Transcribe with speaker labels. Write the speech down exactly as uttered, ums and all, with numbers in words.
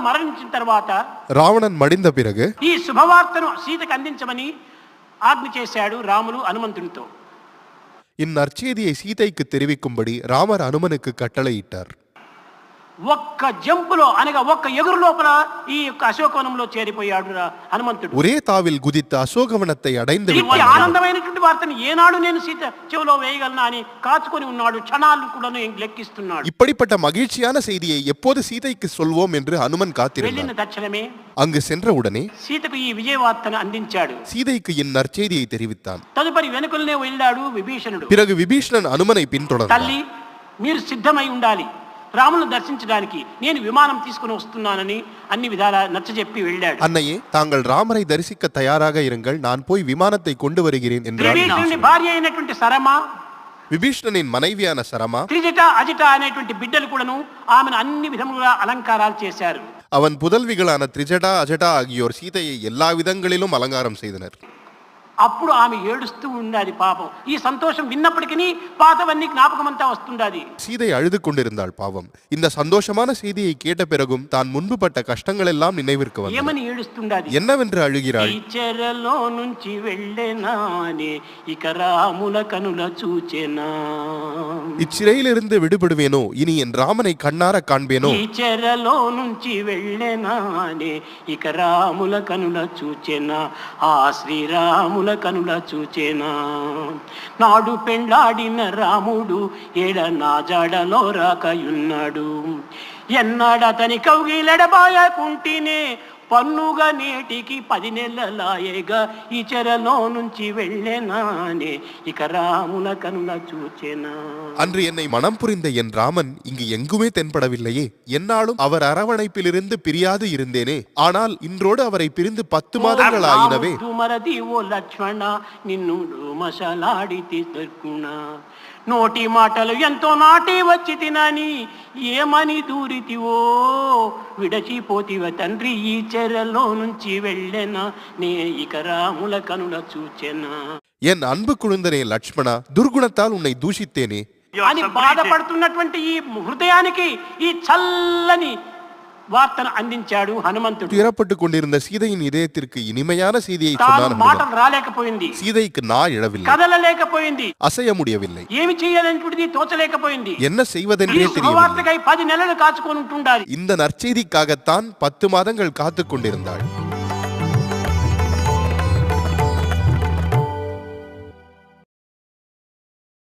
Speaker 1: మరణించిన తర్వాత
Speaker 2: రావణన్ మడిந்த பிறகு
Speaker 1: ఈ శుభవార్తను సీతకు అందించమని ఆజ్ఞ చేశాడు రాములు హనుమంతునితో.
Speaker 2: இந்நற்செய்தியை சீதைக்கு தெரிவிக்கும்படி ராமர் அனுமனுக்கு கட்டளையிட்டார்.
Speaker 1: ఒక్క జంపులో అనగా ఒక్క ఎగురు లోపల ఈ యొక్క అశోకవనంలో చేరిపోయాడు హనుమంతుడు.
Speaker 2: ஒரே தாவில் குதித்து அசோகவனத்தை அடைந்து
Speaker 1: విట్టాడు. ఆనందమైనటువంటి వార్తను ఏనాడు నేను సీత చెవిలో వేయగలనా అని కాచుకొని ఉన్నాడు. క్షణాలు కూడా లెక్కిస్తున్నాడు.
Speaker 2: இப்படிப்பட்ட மகிழ்ச்சியான செய்தியை எப்போது சீதைக்கு சொல்வோம் என்று ஹனுமன் காத்திருந்தார்.
Speaker 1: వెళ్ళిన తక్షణమే
Speaker 2: அங்கு சென்றவுடனே
Speaker 1: సీతకు ఈ విజయవార్తను అందించాడు.
Speaker 2: சீதைக்கு இந்நற்செய்தியை தெரிவித்தான்.
Speaker 1: తదుపరి వెనుకలనే వెళ్ళాడు విభీషణుడు.
Speaker 2: பிறகு விபீஷணன் அனுமனை பின்தொடர்ந்தார்.
Speaker 1: తల్లి మీరు సిద్ధమై ఉండాలి, రాములను దర్శించడానికి నేను విమానం తీసుకుని వస్తున్నానని అన్ని విధాల నచ్చజెప్పి వెళ్ళాడు.
Speaker 2: அன்னையே, தாங்கள் ராமரை தரிசிக்க தயாராக இருங்கள், நான் போய் விமானத்தை கொண்டு வருகிறேன் என்றார்.
Speaker 1: విభీషణుని భార్య అయినటువంటి సరమ,
Speaker 2: விபீஷணனின் மனைவியான சரமா,
Speaker 1: త్రిజట అజిట అనేటువంటి బిడ్డలు కూడాను ఆమెను అన్ని విధములుగా అలంకారాలు చేశారు.
Speaker 2: அவன் புதல்விகளான திரிஜடா அஜடா ஆகியோர் சீதையை எல்லா விதங்களிலும் அலங்காரம் செய்தனர்.
Speaker 1: అప్పుడు ఆమె ఏడుస్తూ ఉండాలి పాపం. ఈ సంతోషం విన్నప్పటికీ పాతవన్నీ జ్ఞాపకమంతా వస్తుండాది.
Speaker 2: சீதை அழுது கொண்டிருந்தாள் பாவம். இந்த சந்தோஷமான செய்தியை கேட்ட பிறகும் தான் முன்பு பட்ட கஷ்டங்கள் எல்லாம் நினைவிற்கு வந்தது.
Speaker 1: ఏమని ఏడుస్తుండాది?
Speaker 2: என்னவென்று அழுகிறாள்?
Speaker 1: ఈ చెరలో నుంచి వెళ్ళేనానే ఇక రాముల కనుల చూచెనా.
Speaker 2: இச்சிறையிலிருந்து விடுபடுவேனோ, இனி என் ராமனை கண்ணார காண்பேனோ.
Speaker 1: ఈ చెరలో నుంచి వెళ్ళేనానే ఇక రాముల కనుల చూచెనా. ఆ శ్రీరాముల కనుల చూచేనా. నాడు పెండ్లాడిన రాముడు ఏడ నా జాడలో రాకయున్నాడు. ఎన్నాడతని కౌగిలెడబాయకుంటేనే పన్నుగా నేటికి పది నెలలాయేగా ఈ చెరలో నుంచి వెళ్ళేనానే ఇక రాముల కనుల చూచెనా.
Speaker 2: அன்று என்னை மனம் புரிந்த என் ராமன் இங்கு எங்குமே தென்படவில்லையே. என்னாலும் அவர் அரவணைப்பிலிருந்து பிரியாது இருந்தேனே. ஆனால் இன்றோடு அவரை பிரிந்து பத்து மாதங்கள் ஆயினவே.
Speaker 1: మరది ఓ లక్ష్మణ నిన్ను మసలాడితి దొరుకుణ. నోటి మాటలు ఎంతో నాటి వచ్చి తినని ఏమని దూరితివో. విడచిపోతివ తండ్రి ఈ చెరలో నుంచి వెళ్ళెనా నే ఇక రాముల కనుల చూచెనా.
Speaker 2: என் அன்பு குழந்தனே லட்சுமணா, துர்குணத்தால் உன்னை தூஷித்தேனே
Speaker 1: అని బాధపడుతున్నటువంటి ఈ హృదయానికి ఈ చల్లని వార్తను అందించాడు హనుమంతుడు.
Speaker 2: துயரப்பட்டு கொண்டிருந்த சீதையின் இதயத்திற்கு இனிமையான செய்தியை சொன்னான்.
Speaker 1: మాటలు రాలేకపోయింది,
Speaker 2: சீதைக்கு நா இழவில்லை,
Speaker 1: కదలలేకపోయింది,
Speaker 2: அசைய முடியவில்லை,
Speaker 1: ఏమి చేయాలనేటువంటిది తోచలేకపోయింది.
Speaker 2: என்ன செய்வதென்றே தெரியவில்லை.
Speaker 1: వార్తకై పది నెలలు కాచుకొని ఉంటుండాలి.
Speaker 2: இந்த நற்செய்திக்காகத்தான் பத்து மாதங்கள் காத்துக் கொண்டிருந்தாள்.